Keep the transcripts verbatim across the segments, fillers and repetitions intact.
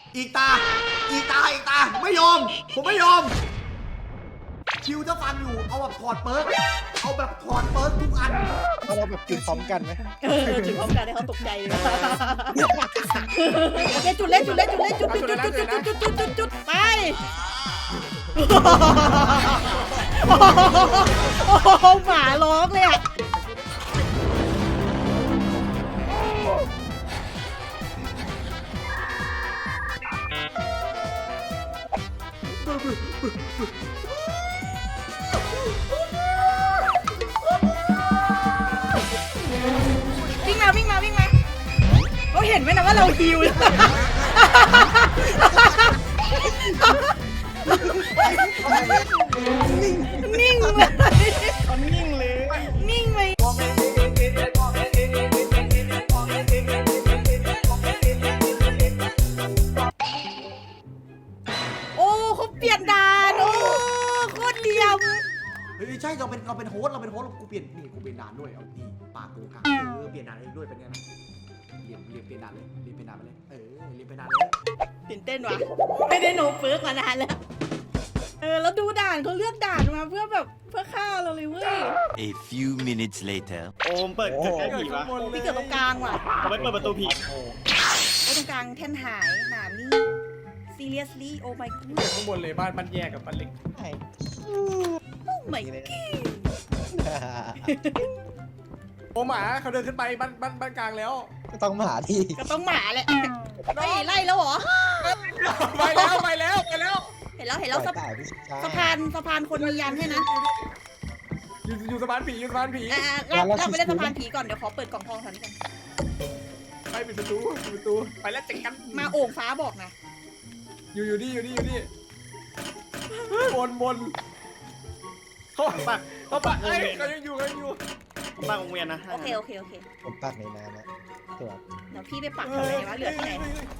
อีกตาอีกตาอีกตาไม่ยอมผมไม่ยอมคิวจะฟังอยู่เอาแบบถอดเปิร์กเอาแบบถอดเปิร์กทุกอันเอาเราแบบจุดพร้อมกันไหมเออจุดพร้อมกันให้เขาตกใจเลยโอเคจุดเล่นจุดเล่นจุดเล่นจุดจุดจุดจุดจุดจุดจุดจุดจุดไปโอ้โหหมาร้องเลยอ่ะวิ่งมาวิ่งมาวิ่งมาเขาเห็นไหมนะว่าเราฮิวนิ่งเลยเขานิ่งเลยนิ่งเลยโอ้เขาเปลี่ยนด่านโอ้โคตรเดียมเฮ้ยใช่เราเป็นเราเป็นโฮสต์เราเป็นโฮสต์เรากูเปลี่ยนนี่กูเปลี่ยนด่านด้วยเอาดีปากกูกลางเออเปลี่ยนด่านเองด้วยเป็นไงนะเรียนเรียนเปลี่ยนด่านเลยเรียนเปลี่ยนด่านไปเลยเออเรียนเปลี่ยนด่านเลยตื่นเต้นว่ะไม่ได้โนเฟิร์กมานานแล้วเออแล้วดูด่านเขาเลือกด่านมาเพื่อแบบเพื่อฆ่าเราเลยเว้ย A few minutes later โอมเปิดเกิดแค่ผีวะพี่เกิดตรงกลางว่ะทำไมเปิดประตูผีไอ้ตรงกลางแท่นหายหนามนี่ seriously oh my god เกิดข้างบนเลยบ้านบ้านแยกกับบ้านเล็ก oh my god โอ้หมาเขาเดินขึ้นไปบ้านบ้านบ้านกลางแล้วก็ต้องหมาที่ก็ต้องหมาแหละไล่ไล่แล้วเหรอไปแล้วไปแล้วไปแล้วเห็นแล้วเห็นแล้วสะตายพี่ชายสะพานสะพานคนมียันให้นะอยู่อยู่สะพานผีอยู่สะพานผีอ่าเราเราไปเล่นสะพานผีก่อนเดี๋ยวขอเปิดกล่องทองก่อนก่อนไปปิดประตูปิดประตูไปแล้วเจ๊งกันมาโอ่งฟ้าบอกนะอยู่อยู่นี่อยู่นี่อยู่นี่บนบนเขาปักเขาปักเอ้ยเขายังอยู่เขายังอยู่บ้านวงเวียนนะโอเคโอเคโอเคผมปักในน้ำนะตัวเดี๋ยวพี่ไปปักทำไมวะเหลือที่ไหน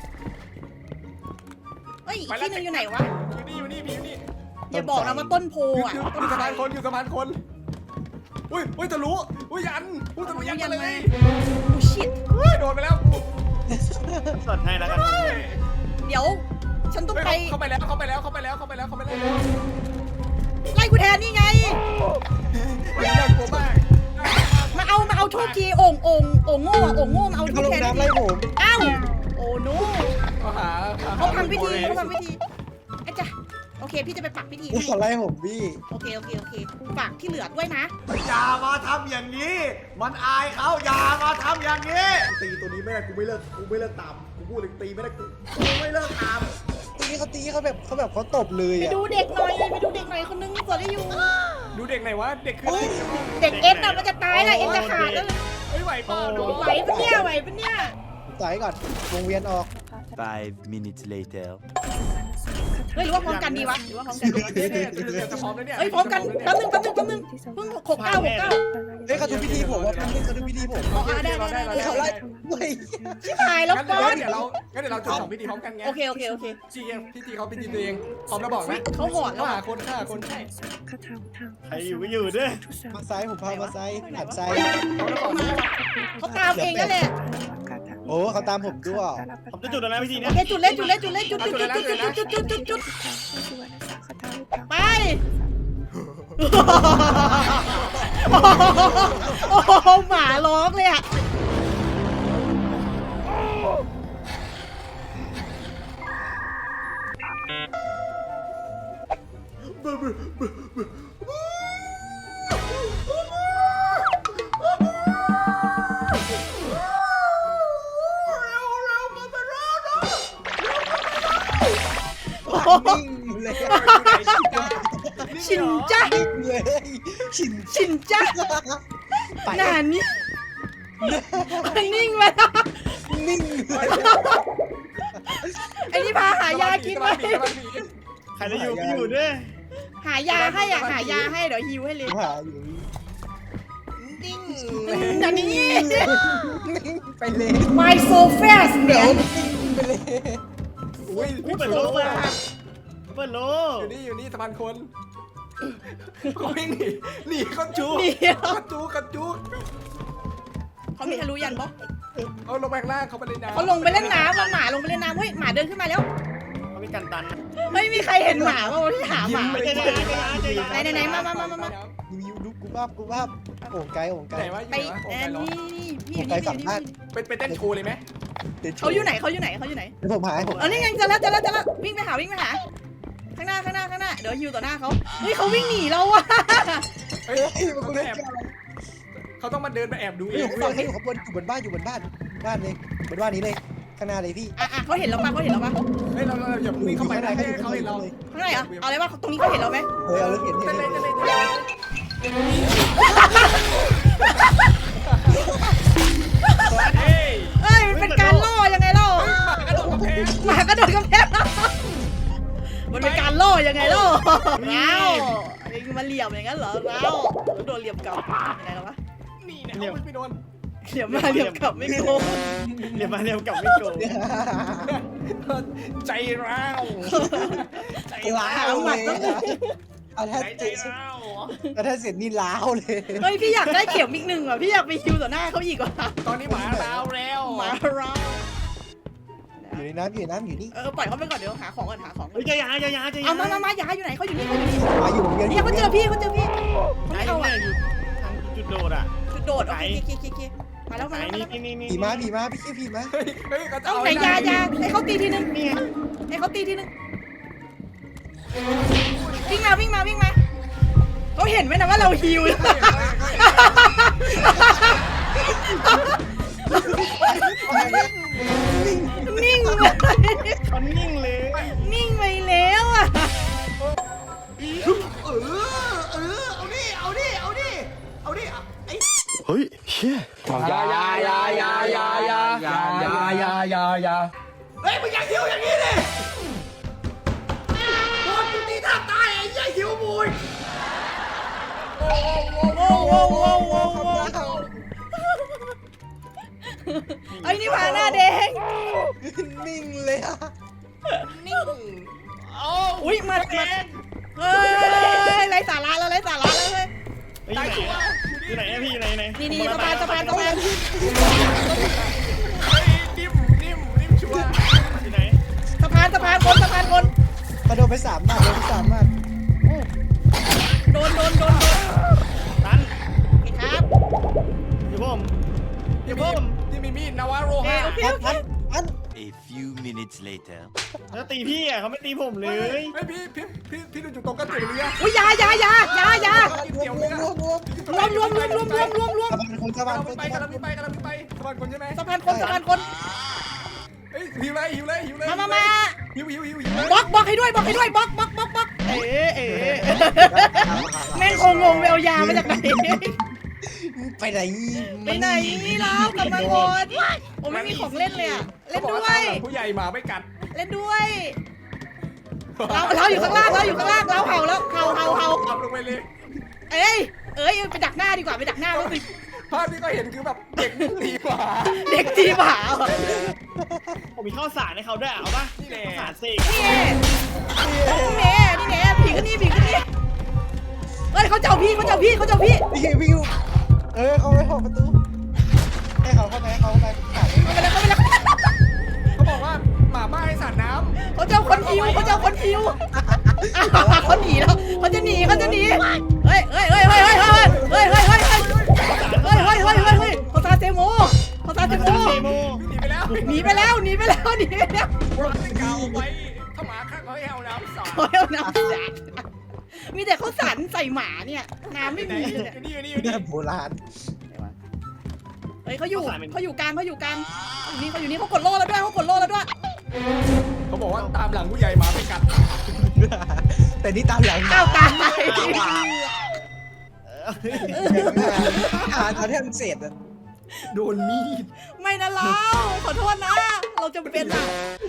เอ้ยอีกที่นึงอยู่ไหนวะอยู่นี่อยู่นี่ผีอยู่นี่อย่าบอกนะว่าต้นโพอยู่อ่ะอยู่ต้นสะไทรพานคนอยู่สะพานคนอุ้ยอุ้ยทะลุอุ้ยยันอุ้ยทะลุยันมาเลยโอ้ชิตอุ้ยโดนไปแล้วสดให้แล้วกันเดี๋ยวฉันต้องไปเข้าไปแล้วเข้าไปแล้วเข้าไปแล้วเข้าไปแล้วเข้าไปแล้วไล่กูแทนนี่ไงน่ากลัวมากมาเอามาเอาโทษทีโอ่งโอ่งโอ่งโง่โอ่งโง่มาเอาโทเขาษลงแทนน้ำไล่ผมอ้าวโอ้โนเขาหาเขาทำพิธีเขาทำพิธีไอ้จ้ะโอเคพี่จะไปปักพิธีนี่เขาไล่ผมพี่โอเคโอเคโอเคฝากที่เหลือด้วยนะอย่ามาทำอย่างนี้มันอายเขาอย่ามาทำอย่างนี้ตีตัวนี้ไม่ได้กูไม่เลิกกูไม่เลิกตามกูพูดเลยตีไม่ได้กูกูไม่เลิกตามทีนี้เขาตีเขาแบบเขาแบบเขาตบเลยไปอ่ะดูเด็กหน่อยไปดูเด็กหน่อยคนนึงสวดได้อยู่ดูเด็กไหนวะเด็กคือเด็กเอ็นน่ะมันจะตายนะเอ็นจะขาดแล้วเฮ้ยไหวเปล่าดูไหวปะเนี่ยไหวปะเนี่ยต่อยก่อนวงเวียนออก Five minutes later เฮ้ยหรือว่าพร้อมกันดีวะหรือว่าพร้อมกันดีจะพร้อมแล้วเนี่ยเฮ้ยพร้อมกันแป๊บนึงแป๊บนึงแป๊บนึงเพิ่งหกเก้าหกเก้าเฮ้ยเขาดูพิธีผมว่าพี่เขาดูพิธีผมอ๋อได้ได้ได้เฮ้ยเขาไล่เฮ้ยชิบหายแล้วงั้นก้อนเดี๋ยวเรางั้นเดี๋ยวเราจุดสองพิธีพร้อมกันไงโอเคโอเคโอเคจีพิธีเขาพิธีตัวเองพร้อมแล้วบอกนะเขาหอดแล้วหาอ่ะคนฆ่าคนใช่ใครอยู่ก็อยู่ด้วยมาซ้ายผมพามาซ้ายหันซ้ายพร้อมแล้วบอกนะเขาตามเองนั่นแหละโอ้เขาตามผมด้วยผมจะจุดแล้วนะพี่ทีโอเนี้ยเคจุดเล่นจุดเล่นจุดเล่นจุดจุดจุดจุดจุดจุดจุดจุดจุดไปโอ้โหหมาร้องเลยอ่ะนิ่งเลยชินจ้านิ่งเลยชินชินจ้าไปนานนี่นิ่งไปนิ่งเลยไอ้นี่พาหายากินไหมใครจะอยู่ก็อยู่ด้วยหายาให้อ่ะหายาให้เดี๋ยวฮิวให้เลยหาอยู่นิ่งอันนี้นิ่งไปเลย My so fast เดี๋ยว man นิ่งไปเลยอุ้ยเปิดโลกเปิดโลอยู่นี่อยู่นี่สะพานคนเขาวิ่งหนีหนีเขาจูหนีเขาจูเขาจูเขามีทะลุยันปะเอาลงไปข้างล่างเขาไปเลยนะเขาลงไปเล่นน้ำแล้วหมาลงไปเล่นน้ำเฮ้ยหมาเดินขึ้นมาแล้วเขามีกันตันไม่มีใครเห็นหมาป่าวที่หาหมาไม่ใช่นะเจอไหนไหนไหนมามามามามายูยูดูกูภาพกูภาพโอ่งไกลโอ่งไกลไหนวะไปอยู่ไหนวะเออโอ้นี่ยนี่พี่ไปนี่ฝั่งบ้านเป็นเป็นเต้นโชว์เลยไหมเขาอยู่ไหนเขาอยู่ไหนเขาอยู่ไหนเดี๋ยวผมหายผมเออนี่ไงเจอแล้วเจอแล้วเจอแล้ววิ่งไปหาวิ่งไปหาข้างหน้าข้างหน้าข้างหน้าเดี๋ยวฮิวต่อหน้าเขาเฮ้ยเขาวิ่งหนีเราอะเฮ้ยเฮ้ยมันเขากูต้องเล่นแอบเขาต้องมาเดินมาแอบดูเอเฮ้ยงผมฝั่งให้อยู่ข้างบนอยู่บนบ้านอยู่บนบ้านบ้านเลยบนบ้านนี้เลยข้างหน้าเลยพี่อ่ะอ่ะเขาเห็นเราปะเขาเห็นเราปะเฮ้ยเราเราอย่าวิ่งเข้าไปนะให้เขาเห็นเราข้างในเหรอเอาเลยว่าตรงนี้เขาเห็นเราไหมเฮ้ยเอาเลยเห็นเห็เต้นนเลยเห็นเต้นเลยเต้นเลยเฮ้ยเอ้ยมันเป็นการล่อยังไงล่อหมากระโดดกำแพงหมากระโดดกำแพงมันเป็นการล่อยังไงล่อเราเองมาเหลี่ยมอย่างนั้นเหรอเราโดนเหลี่ยมกลับยังไงล่ะวะนี่นะเอาไม่โดนเหลี่ยมมาเหลี่ยมกลับไม่โกงเรียบมาเรียบกลับไม่โกงใจร้าวใจล้าร้าว วเลยเอาถ้าใจใจเสร็จร้าวเอาถ้าเสร็จนี่ล้าวเลยเฮ้ยพี่อยากได้เข็มอีกหนึ่งอ่ะพี่อยากไปคิวต่อหน้าเขาอีกว่ะตอนนี้หมาร้าวแล้วหมาเราอยู่ในน้ำอยู่ในน้ำอยู่นี่เออปล่อยเขาไปก่อนเดี๋ยวหาของก่อนหาของก่อเฮ้ยนเจอยาเจอยาเจอยาเอามามามาอย่าอยู่ไหนเขาอยู่นี่เขาอยู่นี่มาอยู่เดียวเนี่ยเขาเจอพี่เขาเจอพี่ไหนไม่เอาเนี่อ่ะยอยู่ทางจุดโดดอ่ะจุดโดดโอเคโอเคโอเคโอเคมาแล้วไหนมาแล้วมานี่แล้วนี่นี่ผีมาผีมาพี่ชื่อผีมาเฮ้ยเฮ้ยเขาจะเอาเอาไหนยายาให้เขาตีทีนึงนี่ไงให้เขาตีทีนึงวิ่งมาวิ่งมาวิ่งมาเขาเห็นไหมนะว่าเราฮิว นิ่งเลยเขานิ่งเลยนิ่งไปแล้วอ่ะเออเออเอาดิเอาดิเอาดิเอาดิไอ้เฮ้ยเชี่ยยายายายายายายายายายายาเฮ้ยมึงอย่าหิวอย่างนี้ดิโดนกูตีท่าตายไอ้ยัยหิวมุยโว้โว้โว้โว้โว้โว้ไอ้นี่พาหน้าแดงนิ่งเลยอะนิ่งอุ้ยมามาเฮ้ยไรสาระแล้วไรสาระแล้วเฮ้ยอยู่ไหนอยู่ไหนพี่อยู่ไหนไหนนี่นี่สะพานสะพานสะพานนิ่มนิ่มนิ่มชัวร์อยู่ไหนสะพานสะพานคนสะพานคนมาโดนไปสามบาทโดนไปสามบาทโดนโดนโดนโดนตันโอเคครับอยู่ผมที่มีที่มีมีดนาวาโรโอเคฮาโอเคพันโอเคพันพัน A few minutes later แล้วตีพี่อ่ะเขาไม่ตีผมเลยเฮ้ยพี่พี่พี่พี่ดูจุดตรงกระจุกเรืออุ้ยยายายายายารวมรวมรวมรวมรวมรวมรวมรวมรวมรวมรวมสะพานคนสะพานคนไปกำลังไปกำลังไปสะพานคนใช่ไหมสะพานคนสะพานคนเฮ้ยหิวเลยหิวเลยหิวเลยมามามาหิวหิวหิวหิวบล็อกบล็อกให้ด้วยบล็อกให้ด้วยบล็อกบล็อกบล็อกบล็อกเอ๋เอ๋แม่งคงงงไปเอายามาจากไหนไปไหนไปไหนนี่เรากลับมาก่อนโอ้ไม่มีของเล่นเลยอ่ะเล่นด้วยผู้ใหญ่หมาไม่กัดเล่นด้วยเราเราอยู่ข้างล่างเราอยู่ข้างล่างเราเห่าแล้วเห่าเห่าเห่าทำลงไปเลยเอ้ยเอ้ยไปดักหน้าดีกว่าไปดักหน้าแล้วสิภาพที่ก็เห็นคือแบบเด็กตีหมาเด็กจีบหาเหรอผมมีข้าวสารให้เขาด้วยเอาป่ะข้าวสารเสกนี่แน่นี่แน่นี่แน่ผีขึ้นนี่ผีขึ้นนี่เฮ้ยเขาเจ้าพี่เขาเจ้าพี่เขาเจ้าพี่พี่วิวเออเขาไปหอกประตูให้เขาเข้าไปให้เขาเข้าไปขาดเขาไปแล้วเขาไปแล้วเขาบอกว่าหมาบ้าให้สาดน้เขาเจ้าคนหิวเขาเจ้าคนหิวเขาหนีแล้วเขาจะหนีเขาจะหนีเฮ้ยเฮ้ยเฮ้ยเฮ้ยเฮ้ยเฮ้ยเฮ้ยเฮ้ยเฮ้ยเฮ้ยเฮ้ยเฮ้ยเฮ้ยเฮ้ยเฮ้ยเขาซาเซโมเขาซาเซโมเซโมำหนีไปแล้วหนีไปแล้วหนีไปแล้วหนีไปแล้วรักไม่เก่าไว้ถ้าหมาข้างเขาให้เอาน้ำสาดเขาเอาน้ำสาดมีแต่เขาสันใส่หมาเนี่ยน้ำไม่ไหนมีอยู่เลยนี่อยู่นี่อยู่นี่แบบโบราณเฮ้ยเขาอยู่เขาอยู่กลางเขาอยู่กลางอยู่นี่เขาอยู่นี่เขากดโล่แล้วด้วยเขากดโล่แล้วด้วยเขาบอกว่าตามหลังผู้ใหญ่หมาไม่กัดแต่นี่ตามหลังอ้าวตายอ่านเอาที่มันเสร็จอะโดนมีดไม่นะเราขอโทษนะ เราจะเป็นอ่ะ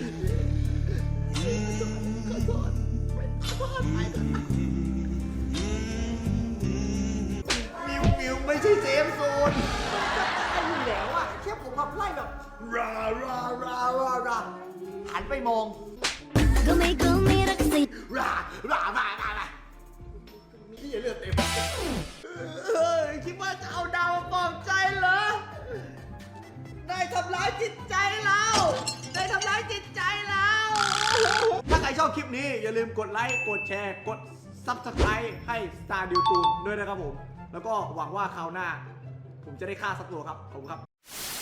มิวมิวไม่ใช่เซฟโซนจะตายอยู่แล้วอ่ะแค่ผมมาไล่แบบราราราราราหันไปมอง Gumi gumi raksi รารารารารานี่เลือดเต็มเออคิดว่าจะเอาดาวมาปลอบใจเหรอ ได้ทำร้ายจิตใจเราได้ทำร้ายจิตใจเราถ้าใครชอบคลิปนี้อย่าลืมกดไลค์กดแชร์กด ซับสไครบ์ ให้ Star ดิวตูนด้วยนะครับผมแล้วก็หวังว่าคราวหน้าผมจะได้ฆ่าสักตัวครับขอบคุณครับ